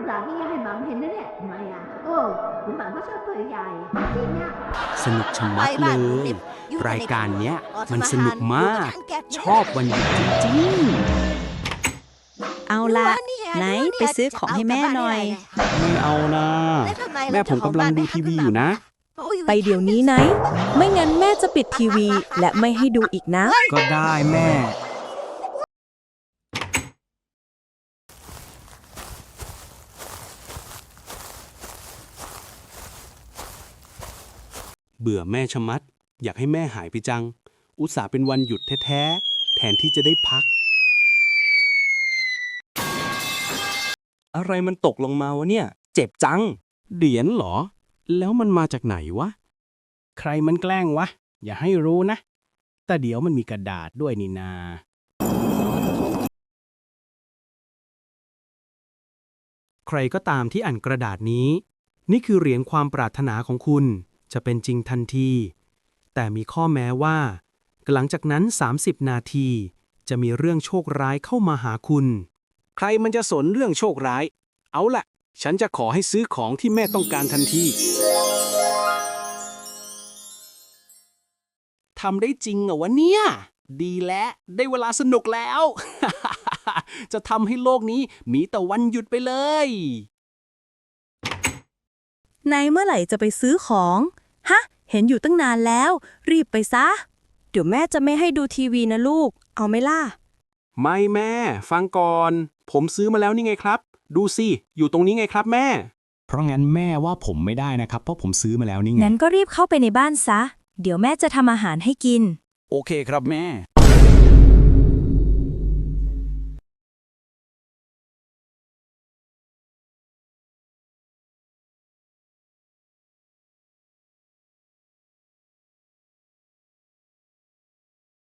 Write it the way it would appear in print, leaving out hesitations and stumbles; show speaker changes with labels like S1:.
S1: หลังนี่ให้หมังเห็นนะเนี่ยทำไมอ่ะโอ้คุณหมังก็ชอบตัวใหญ่จริงเนี่ย
S2: สนุกชะมัดเลย รายการเนี้ยมันสนุกมาก ชอบวันหยุดจริง
S3: เอาล่ะไหนไปซื้อของให้แม่หน่อย
S2: ๆไม่เอานะ แม่ผมกำลังดูทีวีอยู่นะ
S3: ไปเดี๋ยวนี้ไหน ไม่งั้นแม่จะปิดทีวีและไม่ให้ดูอีกนะ
S2: ก็ได้แม่ เบื่อแม่ชะมัด อยากให้แม่หายไปจัง อุตส่าห์เป็นวันหยุดแท้ๆ แทนที่จะได้พัก อะไรมันตกลงมาวะเนี่ย เจ็บจัง เหรียญเหรอ แล้วมันมาจากไหนวะ
S4: ใครมันแกล้งวะ อย่าให้รู้นะ แต่เดี๋ยวมันมีกระดาษด้วยนี่นา
S2: ใครก็ตามที่อ่านกระดาษนี้ นี่คือเหรียญความปรารถนาของคุณจะเป็นจริงทันที แต่มีข้อแม้ว่า หลังจากนั้น 30 นาที จะมีเรื่องโชคร้ายเข้ามาหาคุณ
S4: ใครมันจะสนเรื่องโชคร้าย เอาล่ะ ฉันจะขอให้ซื้อของที่แม่ต้องการทันที ทำได้จริงเหรอวะเนี่ย ดีแล้วได้เวลาสนุกแล้ว จะทำให้โลกนี้มีแต่วันหยุดไปเลย
S3: ในเมื่อไหร่จะไปซื้อของ ฮะ เห็นอยู่ตั้งนานแล้ว รีบไปซะ เดี๋ยวแม่จะไม่ให้ดูทีวีนะลูก เอาไหมล่ะ
S4: ไม่แม่ ฟังก่อน ผมซื้อมาแล้วนี่ไงครับ ดูสิ อยู่ตรงนี้ไงครับแม่
S5: เพราะงั้นแม่ว่าผมไม่ได้นะครับ เพราะผมซื้อมาแล้วนี่ไง
S3: งั้นก็รีบเข้าไปในบ้านซะ เดี๋ยวแม่จะทำอาหารให้กิน
S4: โอเคครับแม่